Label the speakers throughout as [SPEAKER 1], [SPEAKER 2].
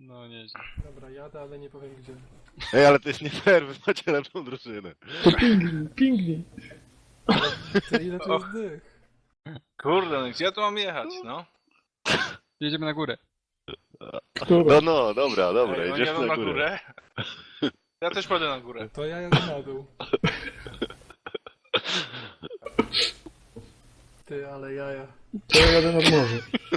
[SPEAKER 1] No nieźle.
[SPEAKER 2] Dobra, jadę, ale nie powiem gdzie.
[SPEAKER 3] Ej, ale to jest nie fair, wy macie lepszą drużynę.
[SPEAKER 4] To pingwin.
[SPEAKER 2] Ty, ile to jest dych?
[SPEAKER 1] Kurde, no gdzie ja tu mam jechać, no?
[SPEAKER 5] Jedziemy na górę.
[SPEAKER 4] Która?
[SPEAKER 3] No, dobra,
[SPEAKER 1] Ej, oni
[SPEAKER 3] idziesz
[SPEAKER 1] jadą
[SPEAKER 3] na górę.
[SPEAKER 1] Ja też pójdę na górę.
[SPEAKER 2] To ja jadę na dół. Ty, ale jaja.
[SPEAKER 4] To ja jadę nad morze.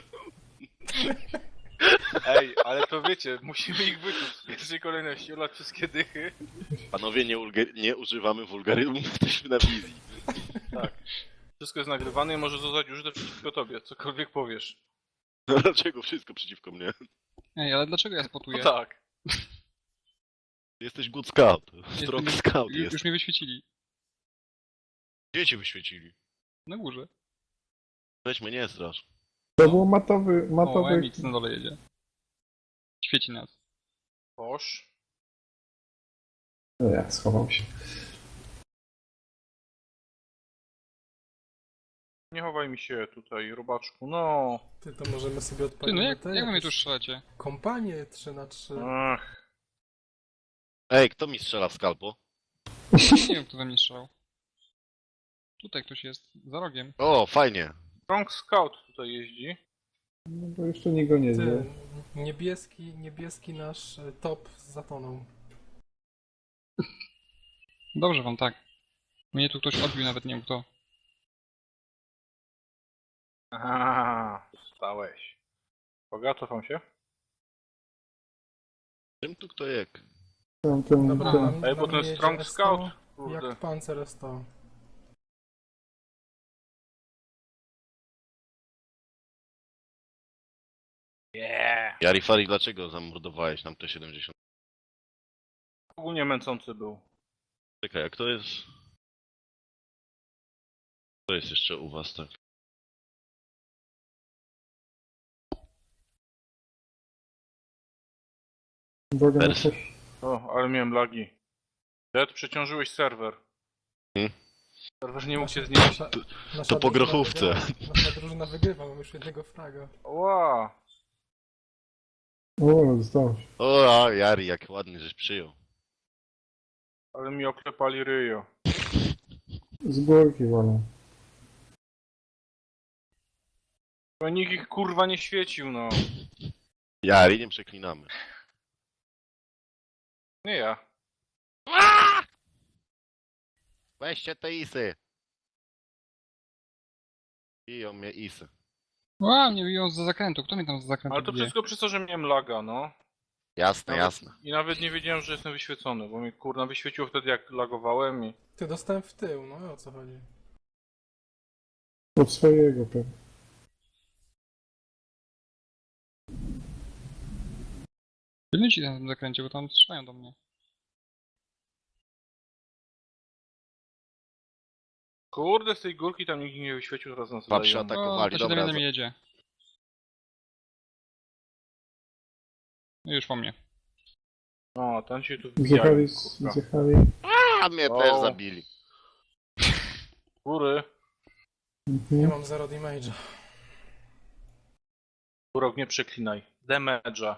[SPEAKER 1] Ej, ale to wiecie, musimy ich wyczuć w pierwszej kolejności, olać wszystkie dychy.
[SPEAKER 3] Panowie, nie używamy wulgaryzmów, jesteśmy na wizji.
[SPEAKER 1] Tak. Wszystko jest nagrywane i może zostać użyte przeciwko tobie, cokolwiek powiesz.
[SPEAKER 3] No dlaczego wszystko przeciwko mnie?
[SPEAKER 5] Ej, ale dlaczego ja
[SPEAKER 1] No
[SPEAKER 5] spotuję?
[SPEAKER 1] tak.
[SPEAKER 3] Jesteś good scout.
[SPEAKER 5] Jestem-
[SPEAKER 3] Strong scout jest.
[SPEAKER 5] Już mnie wyświecili.
[SPEAKER 3] Gdzie cię wyświecili?
[SPEAKER 5] Na górze.
[SPEAKER 3] Weź mnie, nie strasz.
[SPEAKER 4] To był matowy...
[SPEAKER 5] O, MX na dole jedzie. Świeci nas.
[SPEAKER 1] Boż.
[SPEAKER 4] No ja schowam się.
[SPEAKER 1] Nie chowaj mi się tutaj, robaczku, no.
[SPEAKER 2] Ty, to możemy sobie
[SPEAKER 5] Ty,
[SPEAKER 2] odpalić
[SPEAKER 5] no jak
[SPEAKER 2] te
[SPEAKER 5] wy mnie tu
[SPEAKER 2] jakieś
[SPEAKER 5] strzelacie?
[SPEAKER 2] kompanie 3x3.
[SPEAKER 1] Ach.
[SPEAKER 3] Ej, kto mi strzela w skalpo?
[SPEAKER 5] Nie wiem, kto we mnie strzelał. Tutaj ktoś jest, za rogiem.
[SPEAKER 3] O, fajnie.
[SPEAKER 1] Strong Scout tutaj jeździ.
[SPEAKER 4] No bo jeszcze nikt go nie
[SPEAKER 2] Ty,
[SPEAKER 4] zna.
[SPEAKER 2] niebieski nasz top zatonął.
[SPEAKER 5] Dobrze wam, tak. Mnie tu ktoś odbił, nawet nie wiem kto.
[SPEAKER 1] Aha, stałeś. Bogato wam się?
[SPEAKER 3] Czym tu kto jak?
[SPEAKER 4] Ten...
[SPEAKER 2] Dobra,
[SPEAKER 1] Ej, bo ten
[SPEAKER 2] jedzie
[SPEAKER 1] Strong
[SPEAKER 2] S100,
[SPEAKER 1] Scout, kurde.
[SPEAKER 2] Jak Panzer S100.
[SPEAKER 1] Yeah.
[SPEAKER 3] Jarifari, dlaczego zamordowałeś nam te 70?
[SPEAKER 1] Ogólnie męcący był.
[SPEAKER 3] Czekaj, jak to jest? To jest jeszcze u was, tak?
[SPEAKER 4] Droga na
[SPEAKER 3] Pers.
[SPEAKER 4] coś.
[SPEAKER 1] O, ale miałem lagi. Red, przeciążyłeś serwer.
[SPEAKER 3] Hmm?
[SPEAKER 1] Serwer nie mógł się znieść.
[SPEAKER 2] Nasza
[SPEAKER 3] To po
[SPEAKER 2] drużyna
[SPEAKER 3] grochówce.
[SPEAKER 2] wygrywa. Nasza drużyna wygrywa, mam już jednego fraga.
[SPEAKER 1] Ła!
[SPEAKER 4] O, zdał się.
[SPEAKER 3] O, a, Jari, jak ładnie żeś przyjął.
[SPEAKER 1] Ale mi oklepali ryjo.
[SPEAKER 4] Z górki wolę.
[SPEAKER 1] Bo nikt ich kurwa nie świecił, no.
[SPEAKER 3] Jari, nie przeklinamy.
[SPEAKER 1] Nie ja.
[SPEAKER 3] Weźcie te isy. Biją mnie isy.
[SPEAKER 5] Ła, mnie biją za zakrętu. Kto mnie tam za zakrętu
[SPEAKER 1] Ale to
[SPEAKER 5] bije?
[SPEAKER 1] wszystko przez to, że miałem laga, no.
[SPEAKER 3] Jasne, jasne.
[SPEAKER 1] I nawet nie wiedziałem, że jestem wyświecony, bo mnie kurna wyświeciło wtedy jak lagowałem i...
[SPEAKER 2] Ty, dostałem w tył, no o co chodzi?
[SPEAKER 4] Od swojego pewnie.
[SPEAKER 5] Pilnujcie na tym zakręcie, bo tam strzelają do mnie.
[SPEAKER 1] Kurde, z tej górki tam nikt nie wyświecił, teraz nas
[SPEAKER 3] Patrz,
[SPEAKER 1] dają.
[SPEAKER 3] tak.
[SPEAKER 5] O,
[SPEAKER 3] Atakowali,
[SPEAKER 5] to
[SPEAKER 3] dobra,
[SPEAKER 5] 7 jedzie. No już po mnie.
[SPEAKER 1] O, ten się tu wbijają,
[SPEAKER 4] Zjechali,
[SPEAKER 1] kurwa.
[SPEAKER 4] zjechali.
[SPEAKER 3] A mnie
[SPEAKER 1] O.
[SPEAKER 3] też zabili.
[SPEAKER 1] Góry.
[SPEAKER 2] Nie
[SPEAKER 4] Mhm.
[SPEAKER 2] mam 0 damage'a.
[SPEAKER 1] Górok, nie przeklinaj. Damage'a.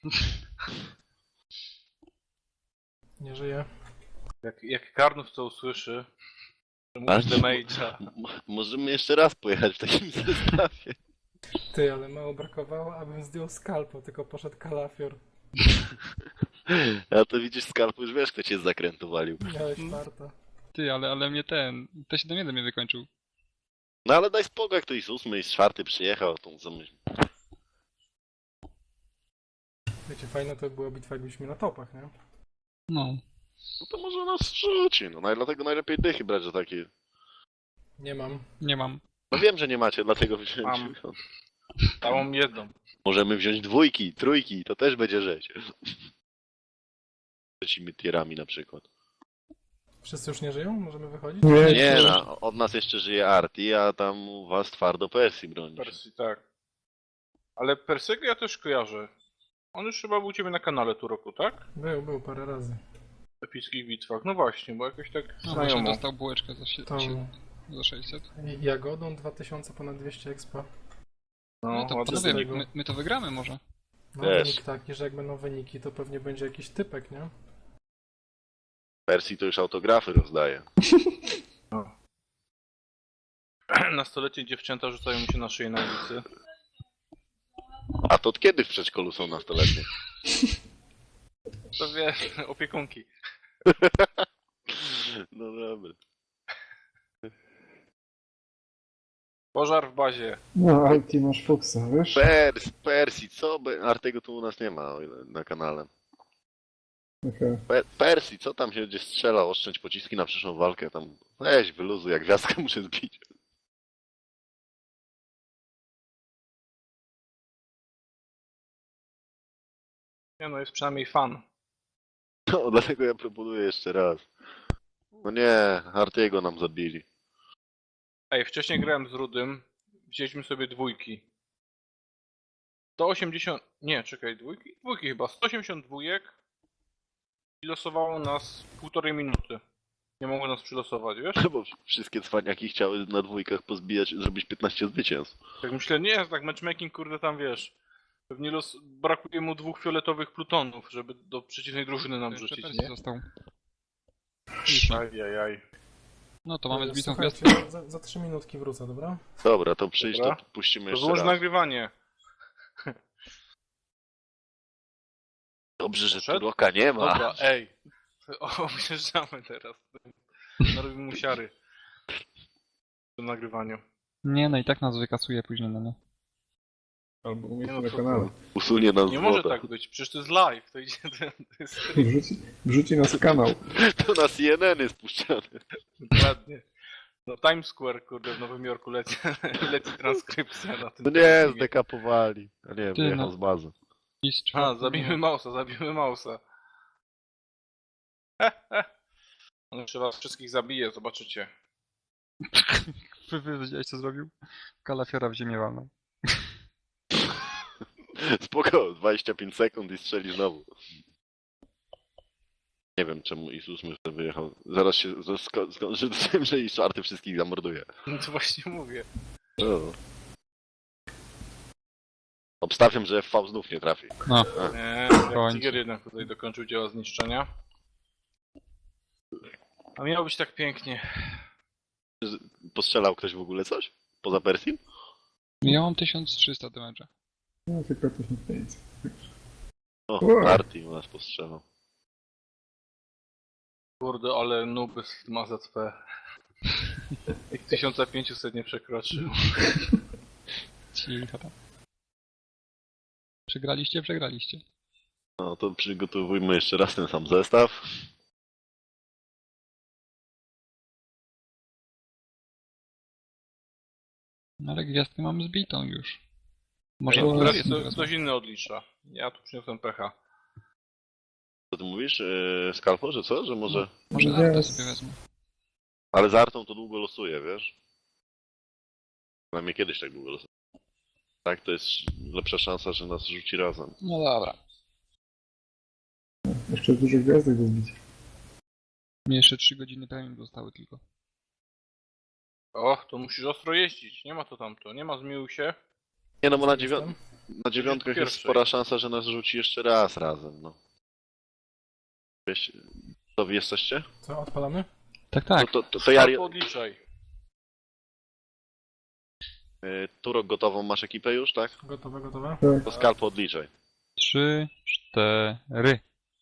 [SPEAKER 2] Nie żyję.
[SPEAKER 1] Jak Karnów to usłyszy, że
[SPEAKER 3] Ale-
[SPEAKER 1] mówisz damage'a.
[SPEAKER 3] Możemy jeszcze raz pojechać w takim zestawie.
[SPEAKER 2] Ty, ale mało brakowało, abym zdjął skalpo, tylko poszedł kalafior.
[SPEAKER 3] A to widzisz, skalpu już wiesz, kto cię z zakrętu walił.
[SPEAKER 2] Miałeś farta.
[SPEAKER 5] Ty, ale mnie ten... T7 mnie wykończył.
[SPEAKER 3] No ale daj spokój, jak to i z 8 i z 4 przyjechał, tą zamyśl.
[SPEAKER 2] Wiecie, fajne to była bitwa, jakbyśmy na topach, nie?
[SPEAKER 5] No.
[SPEAKER 3] No to może nas rzuci, no dlatego najlepiej dychy brać za takie...
[SPEAKER 2] Nie mam.
[SPEAKER 5] Nie mam.
[SPEAKER 3] No wiem, że nie macie, dlatego wziąłem
[SPEAKER 1] Mam.
[SPEAKER 3] 90.
[SPEAKER 1] Całą jedną.
[SPEAKER 3] Możemy wziąć dwójki, trójki, to też będzie rzeź. Trzecimi tierami na przykład.
[SPEAKER 2] Wszyscy już nie żyją? Możemy wychodzić?
[SPEAKER 4] Nie,
[SPEAKER 3] Nie, no, od nas jeszcze żyje Arti, a tam u was twardo Persji broni.
[SPEAKER 1] Persji, tak. Ale Persiego ja też kojarzę. On już chyba był u ciebie na kanale tu roku, tak?
[SPEAKER 2] Był parę razy.
[SPEAKER 1] W epickich bitwach. No właśnie, bo jakoś tak
[SPEAKER 5] No właśnie
[SPEAKER 1] znajomo.
[SPEAKER 5] dostał bułeczkę
[SPEAKER 2] Tą
[SPEAKER 5] za 600.
[SPEAKER 2] jagodą 2000 ponad 200 expa.
[SPEAKER 1] No,
[SPEAKER 5] No to
[SPEAKER 1] ładny
[SPEAKER 5] panowie,
[SPEAKER 1] wynik.
[SPEAKER 2] tego.
[SPEAKER 5] my to wygramy może.
[SPEAKER 2] No
[SPEAKER 3] Też.
[SPEAKER 2] wynik taki, że jak będą wyniki, to pewnie będzie jakiś typek, nie?
[SPEAKER 3] Persji to już autografy rozdaje.
[SPEAKER 1] Nastoletnie dziewczęta rzucają mu się na szyję na ulicy.
[SPEAKER 3] A to od kiedy w przedszkolu są nastoletnie?
[SPEAKER 1] To wiesz, opiekunki.
[SPEAKER 3] No dobra.
[SPEAKER 1] Pożar w bazie.
[SPEAKER 4] No, ale ty masz Foxa, wiesz?
[SPEAKER 3] Persji, co? Artego tu u nas nie ma o ile na kanale.
[SPEAKER 4] Okej.
[SPEAKER 3] Persji, co tam się będzie strzelał? Oszczędź pociski na przyszłą walkę. Tam weź, wyluzuj, jak gwiazdkę muszę zbić.
[SPEAKER 1] Nie no, jest przynajmniej fan.
[SPEAKER 3] No, dlatego ja proponuję jeszcze raz. No nie, Artiego nam zabili.
[SPEAKER 1] Ej, wcześniej grałem z Rudym. Wzięliśmy sobie dwójki. 180... Nie, czekaj, dwójki? Dwójki chyba. 180 dwójek. I losowało nas 1,5 minuty. Nie mogło nas przylosować, wiesz?
[SPEAKER 3] Bo wszystkie cwaniaki chciały na dwójkach pozbijać, zrobić 15 zwycięstw.
[SPEAKER 1] Tak myślę, nie, tak matchmaking, kurde, tam wiesz. Pewnie brakuje mu 2 fioletowych plutonów, żeby do przeciwnej drużyny nam
[SPEAKER 5] To jeszcze
[SPEAKER 1] rzucić,
[SPEAKER 5] Persji
[SPEAKER 1] nie?
[SPEAKER 5] został.
[SPEAKER 1] Ajajaj.
[SPEAKER 5] No to mamy zbitą
[SPEAKER 2] Słuchajcie,
[SPEAKER 5] gwiazdkę.
[SPEAKER 2] za 3 minutki wrócę, dobra?
[SPEAKER 3] Dobra, to przyjdź,
[SPEAKER 1] Dobra.
[SPEAKER 3] to puścimy
[SPEAKER 1] To
[SPEAKER 3] jeszcze
[SPEAKER 1] wyłącz
[SPEAKER 3] raz.
[SPEAKER 1] nagrywanie.
[SPEAKER 3] Dobrze, że
[SPEAKER 1] Poszedł?
[SPEAKER 3] Turoka nie ma.
[SPEAKER 1] Dobra, ej. Objeżdżamy teraz. Narobimy mu siary. W tym nagrywaniu.
[SPEAKER 5] Nie, no i tak nas wykasuje później, no nie.
[SPEAKER 4] Albo
[SPEAKER 1] Nie
[SPEAKER 4] umieści
[SPEAKER 1] no,
[SPEAKER 4] na
[SPEAKER 1] co
[SPEAKER 4] kanale.
[SPEAKER 3] Usunie nas
[SPEAKER 1] Nie
[SPEAKER 3] z
[SPEAKER 1] może
[SPEAKER 3] woda.
[SPEAKER 1] tak być, przecież to jest live, to idzie, to jest
[SPEAKER 4] Wrzuci nas w kanał.
[SPEAKER 3] To na CNN jest puszczane.
[SPEAKER 1] dokładnie. No Times Square, kurde, w Nowym Jorku leci transkrypcja na tym.
[SPEAKER 3] No nie, zdekapowali. A nie,
[SPEAKER 5] Ty,
[SPEAKER 3] wyjechał
[SPEAKER 5] no.
[SPEAKER 3] z bazy.
[SPEAKER 5] I z
[SPEAKER 1] A,
[SPEAKER 5] czwartym-
[SPEAKER 1] zabijmy Mausa. On jeszcze was wszystkich zabije, zobaczycie.
[SPEAKER 5] Wy wiedziałeś co zrobił? Kalafiora w ziemię walnął.
[SPEAKER 3] Spoko, 25 sekund i strzeli znowu. Nie wiem czemu Isus myślę wyjechał. Zaraz się skończy z tym, że i czwarty wszystkich zamorduje.
[SPEAKER 1] No to właśnie mówię.
[SPEAKER 3] O. Obstawiam, że FV znów nie trafi.
[SPEAKER 5] No,
[SPEAKER 1] Nie,
[SPEAKER 5] końcu.
[SPEAKER 1] Tiger jednak tutaj dokończył dzieła zniszczenia. A miało być tak pięknie.
[SPEAKER 3] Postrzelał ktoś w ogóle coś? Poza Persji?
[SPEAKER 5] ja mam 1300 damage'a.
[SPEAKER 4] No, tylko 1500.
[SPEAKER 3] O,
[SPEAKER 4] Ua.
[SPEAKER 3] Arti u nas postrzelał.
[SPEAKER 1] Kurde, ale nuby ma ZP. Jak 1500 nie przekroczył.
[SPEAKER 5] Cicho tam. Przegraliście, przegraliście.
[SPEAKER 3] No to przygotowujmy jeszcze raz ten sam zestaw.
[SPEAKER 5] No ale gwiazdkę mam zbitą już. Może
[SPEAKER 1] Ej,
[SPEAKER 5] teraz
[SPEAKER 1] teraz
[SPEAKER 5] teraz-
[SPEAKER 1] ktoś inny odlicza. Ja tu przyniosłem pecha.
[SPEAKER 3] Co ty mówisz, Skalpo, że co? Że może...
[SPEAKER 5] Może
[SPEAKER 4] Yes.
[SPEAKER 5] Artę sobie wezmę.
[SPEAKER 3] Ale z Artą to długo losuje, wiesz? Przynajmniej kiedyś tak długo losuje. Tak, to jest lepsza szansa, że nas rzuci razem.
[SPEAKER 5] No dobra.
[SPEAKER 4] Jeszcze dużo gwiazdek do zbicia.
[SPEAKER 5] Mi jeszcze 3 godziny premium zostały tylko.
[SPEAKER 1] O, to musisz ostro jeździć. Nie ma to tamto. Nie ma zmiłuj się.
[SPEAKER 3] Nie no, bo na,
[SPEAKER 2] Jestem.
[SPEAKER 3] na dziewiątkach jest
[SPEAKER 1] Pierwszej.
[SPEAKER 3] spora szansa, że nas rzuci jeszcze raz razem, no. Wiesz, to wy jesteście?
[SPEAKER 2] Co, odpalamy?
[SPEAKER 5] Tak, tak.
[SPEAKER 3] To ja...
[SPEAKER 1] Albo odliczaj.
[SPEAKER 3] Turok gotową masz ekipę już, tak?
[SPEAKER 2] Gotowe, gotowe?
[SPEAKER 3] To Skalpo odliczaj.
[SPEAKER 5] 3, 4.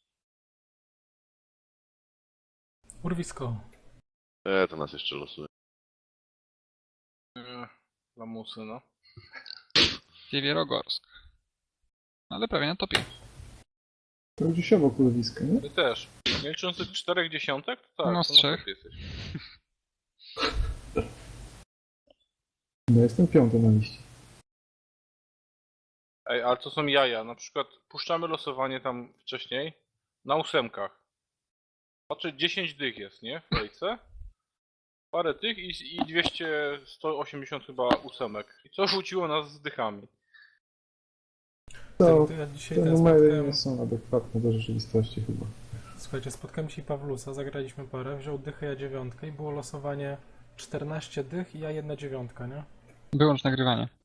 [SPEAKER 2] Urwisko.
[SPEAKER 3] To nas jeszcze losuje.
[SPEAKER 1] Lamusy, no.
[SPEAKER 5] Siewierogorsk. Ale prawie na topie.
[SPEAKER 4] To gdzieś obok urwiska, nie?
[SPEAKER 1] Ty też. Nie licząc tych 4 dziesiątek, to tak.
[SPEAKER 5] No, z
[SPEAKER 1] to na
[SPEAKER 5] 3.
[SPEAKER 1] topie jesteś.
[SPEAKER 4] No jestem 5 na liście.
[SPEAKER 1] Ej, ale to są jaja. Na przykład puszczamy losowanie tam wcześniej na 8. Patrzę, 10 dych jest, nie? W kolejce. Parę tych i 200, 180 chyba 8. I co rzuciło nas z dychami?
[SPEAKER 4] To
[SPEAKER 2] Ja dzisiaj
[SPEAKER 4] te
[SPEAKER 2] ten
[SPEAKER 4] numery
[SPEAKER 2] spotkałem...
[SPEAKER 4] nie są adekwatne do rzeczywistości chyba.
[SPEAKER 2] Słuchajcie, spotkałem dzisiaj Pawlusa, zagraliśmy parę, wziął dychę, ja dziewiątkę i było losowanie 14 dych i ja 1 dziewiątka, nie?
[SPEAKER 5] Wyłącz nagrywanie.